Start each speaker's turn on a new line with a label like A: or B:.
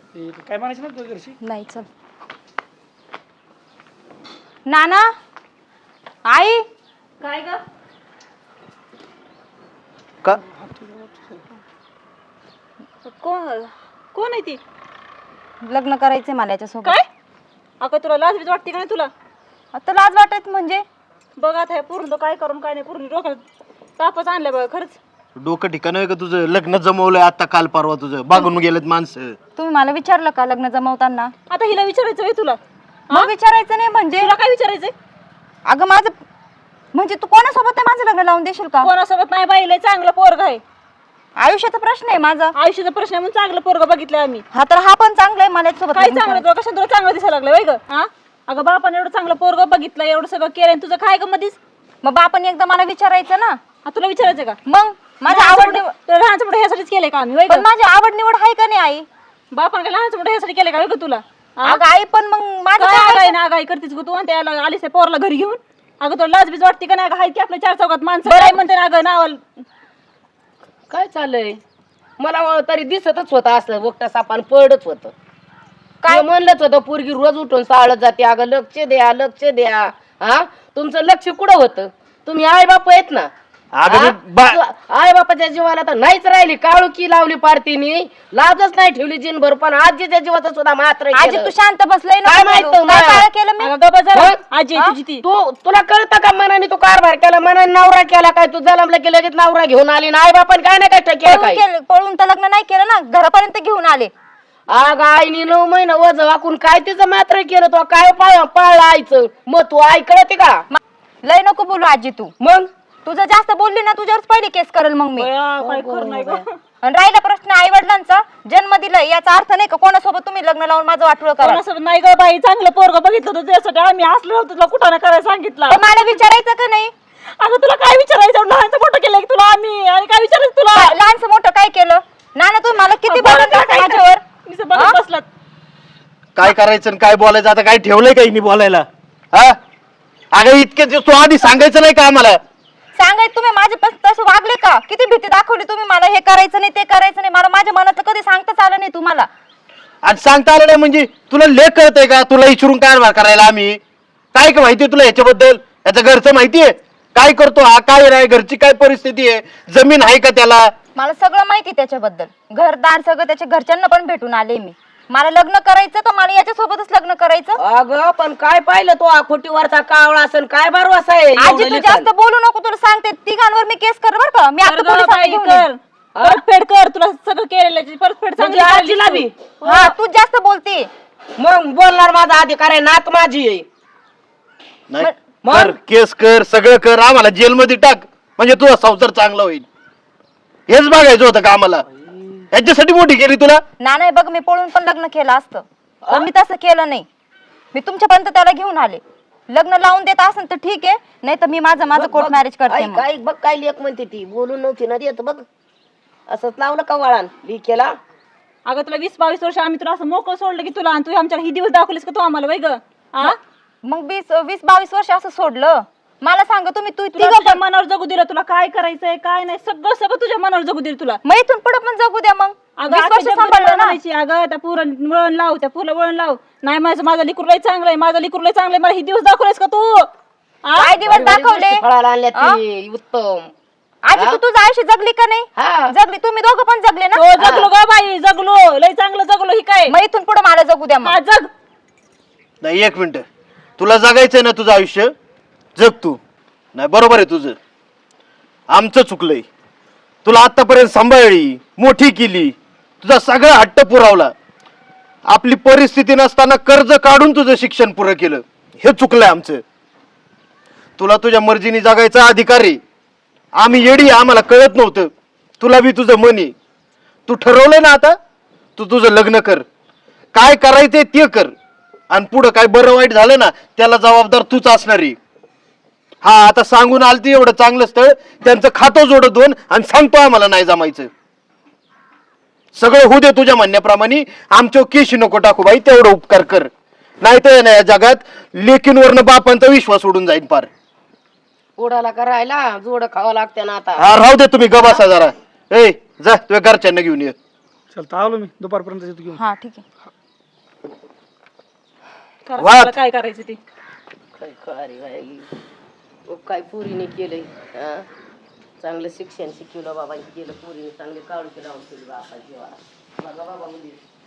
A: काय म्हणायचं ना तुझ्या घरची?
B: नाही चल. नाना आई
C: काय ग?
D: का
C: कोण आहे ती?
B: लग्न करायचंय मला याच्यासोबत.
C: काय अगं तुला लाज बीज वाटते का नाही तुला?
B: आता लाज वाटत म्हणजे
C: बघ आता हे पूर्ण काय करून काय नाही पूर्ण डोक्यात तापच आणलं बघ खरंच.
D: डोकं ठिकाण आहे का तुझं? लग्न जमवलंय आता काल परवा तुझं, बागून गेलेत माणसं.
B: तुम्ही मला विचारलं का लग्न जमवताना?
C: आता हिला विचारायचं आहे तुला?
B: मग विचारायचं नाही म्हणजे?
C: तुला काय विचारायचंय?
B: अगं माझं म्हणजे तू कोणासोबत आहे माझं लग्न लावून देशील का?
C: कोणासोबत नाही बाईला चांगलं पोरग आहे.
B: आयुष्याचा प्रश्न आहे माझा.
C: आयुष्याचा प्रश्न आहे म्हणून चांगलं पोरग बघितलं आम्ही.
B: हा तर हा पण चांगला आहे मला याच्यासोबत
C: काय
B: लग्न
C: चांगलं
B: करायचं.
C: तुला कशा तुला चांगलं दिसायला लागलं वय ग? हा अगं बापाने एवढं चांगलं पोरग बघितलं एवढं सगळं केलं तुझं काय ग मधीच?
B: मग बापाने एकदा मला विचारायचं ना.
C: हा तुला विचारायचं का?
B: मग माझी आवड निवड
C: तुला लहानचं मोठं ह्यासाठीच केलंय का आम्ही वय
B: पण
C: ग?
B: माझी आवड निवड आहे का नाही आई?
C: बापाने काय लहानचं मोठं ह्यासाठी केलंय का वय ग तुला? हा?
B: अगं आई पण मग माझं
C: काय
B: काय
C: आगाई ना आगाई करतेस ग तू आणि त्याला आलीस त्या पोरला घरी घेऊन? अगं तुला लाज बीज वाटते का नाही? हाय की आपल्या चार चौकात माणसं काय म्हणते ना अगं नावाला.
E: काय चाललंय? मला तरी दिसतच होतं असं वक्ता सापान पडच होतं. काय म्हणलंच होतं पोरगी रोज उठून साळत जाते. अगं लक्ष द्या लक्ष द्या. हा तुमचं लक्ष कुठं होतं? तुम्ही आई बाप आहेत ना. आई बापाच्या जीवाला तर नाहीच राहिली. काळुकी लावली पार्टीनी, लाजच नाही ठेवली जिनभर. पण आजीच्या जीवाचं सुद्धा मात्र
B: आजी तू शांत बसलंय ना.
E: काय माहित
B: काय
E: तुम्हाला?
B: काय केलं मी?
C: अगं गप्प जरा.
E: मग?
C: आजी आहे तुझी ती.
E: तुला कळतं का मनाने तू कारभार केला, मनाने नवरा केला काय? तू जलमला की लगेच नवरा घेऊन आली ना. आई बापाने काय नाही काय केलं काय?
B: पळून तर लग्न नाही केलं ना, घरापर्यंत घेऊन आले.
E: अग आईनी 9 महिने वज वाकून काय तिचं मात्र केलं? तो काय पाळलं आईचं? मग तू आई कळते का?
B: लय नको बोलू आजी तू.
E: मग
B: तुझं जास्त बोलली ना तुझ्यावरच पहिली केस करेल मग मी.
C: काय खरं नाही ग.
B: आणि राहिला प्रश्न आई वडिलांचा, जन्म दिलाय याचा अर्थ नाही का कोणासोबत तुम्ही लग्न लावून माझं वाटोळं करा.
C: कोणासोबत नाही ग बाई, चांगलं पोरग बघितलं होतं त्यासाठी आम्ही असलो होतो तुला कुठं करायला सांगितलं.
B: पण मला विचारायचं का नाही?
C: अगं तुला काय विचारायचं? लहानचं मोठं केलं की तुला आम्ही आणि काय विचारायचं तुला?
B: लहानचं मोठं काय केलं? नाना तुम्ही मला किती बोलत होता माझ्यावर.
C: मी बघत बसलात.
D: काय करायचं आणि काय बोलायचं? आता काय ठेवलंय काही नाही बोलायला? हा अगं इतके दिवस तू आधी सांगायचं नाही का आम्हाला?
B: सांगायचं तुम्ही माझे तसं वागले का? किती भीती दाखवली तुम्ही मला, हे करायचं नाही ते करायचं नाही. मला माझ्या मनातलं कधी सांगताच आलं नाही तुम्हाला.
D: आणि सांगता आलं नाही म्हणजे तुला लेख कळतंय का? तुला इचरून कारभार करायला आम्ही काय का माहितीये तुला ह्याच्याबद्दल? याचं घरचं माहितीये काय करतो हा, काय नाही, घरची काय परिस्थिती आहे, जमीन आहे का त्याला?
B: मला सगळं माहिती त्याच्याबद्दल, घरदार सगळं त्याच्या घरच्यांना पण भेटून आले मी. मला लग्न करायचं तर मला याच्यासोबतच लग्न करायचं.
E: अगं पण काय पाहिलं तो खोटीवरचा कावळा असन काय भरवसा आहे?
B: आजी तू जास्त बोलू नको, तुला सांगते तिघांवर मी केस कर बर का. मी आता पोलिसांना घेऊन येईन.
C: परतफेड कर, तुला सगळं केलेलं परतफेड चांगली
E: आजीला बी
B: हा तू जास्त बोलते.
E: मग बोलणार माझा अधिकार आहे, नात माझी आहे.
D: नाही कर, केस कर, सगळं कर, आम्हाला जेलमध्ये टाक म्हणजे तुझा संसार चांगला होईल. हेच बघायचं होतं का आम्हाला? याच्यासाठी मोठी केली तुला?
B: नाही बघ मी पळून पण लग्न केलं असतं, पण मी तसं केलं नाही. मी तुमच्यापर्यंत त्याला घेऊन आले. लग्न लावून देत असेल तर ठीक आहे, नाही तर मी माझं कोर्ट मॅरेज करते.
E: काय बघ काय लेख म्हणते ती, बोलून नव्हती ना देत बघ. असंच लावलं का वळण केला.
C: अगं तुला 20-22 वर्ष आम्ही तुला असं मोकळं सोडलं की तुला, आणि तू आमच्या ही दिवस दाखवलीस का तू आम्हाला वय ग?
B: मग 20-22 वर्ष असं सोडलं? मला सांग तुम्ही, तू
C: तुझ्या मनावर जगू दिलं, तुला काय करायचंय काय नाही सगळं सगळं तुझ्या मनावर जगू दिलं तुला.
B: मग इथून पुढे पण जगू द्या. मग
C: अगं
B: 20 वर्ष सांभाळलं ना.
C: अगं त्या पुरण वळण लाव, त्या फुलं वळण लाव. नाही माझं लिकूर लय चांगलं आहे, माझं लिकूर लय चांगलं आहे. मला ही दिवस दाखवलेस का तू?
B: काय दिवस दाखवले?
E: फळाला आणल्या ती उत्तम.
B: आजी तू तुझं आयुष्य जगली का नाही? जगली. तुम्ही दोघं पण जगले ना?
C: हो जगलो ग बाई, जगलो लय चांगलं जगलो. ही काय
B: मग इथून पुढे मला जगू द्या. मग
C: जग.
D: नाही एक मिनिट, तुला जगायचंय ना तुझं आयुष्य, जग तू. नाही बरोबर आहे तुझं, आमचं चुकलंय. तुला आतापर्यंत सांभाळली, मोठी केली, तुझा सगळा हट्ट पुरवला. आपली परिस्थिती नसताना कर्ज काढून तुझं शिक्षण पुरं केलं, हे चुकलंय आमचं. तुला तुझ्या मर्जीने जगायचा अधिकार आहे. आम्ही येडी, आम्हाला कळत नव्हतं. तुला बी तुझं मन आहे. तू ठरवलंय ना आता, तू तुझं लग्न कर, काय करायचंय ते कर, आणि पुढं काय बरं वाईट झालं ना त्याला जबाबदार तूच असणार आहे. हा आता सांगून आलती एवढं चांगलं स्थळ, त्यांचं खातं जोडत दोन आणि सांगतो आम्हाला नाही जमायचं. सगळं होऊ दे तुझ्या म्हणण्याप्रमाणे, आमच्या केशी नको टाकू बाई, तेवढं उपकार कर. नाही तर या जगात लेकींवरनं बापांचा विश्वास उडून जाईल पार.
E: पोडाला करायला जोड खावं लागते ना आता.
D: हा राहू दे तुम्ही, गबासा जरा. ए जा तुझ्या घरच्यांना घेऊन ये.
A: चल आलो मी दुपारपर्यंत येतो घेऊन.
B: हा ठीक आहे.
C: करा
D: वाद.
C: तुम्हाला काय करायचं ते.
E: काय खरी बाई काय पुरीने केलंय हा? चांगलं शिक्षण शिकवलं बाबा केलं पुरीने चांगले काढून लावून केली बापा जीवा बघा बाबा मुली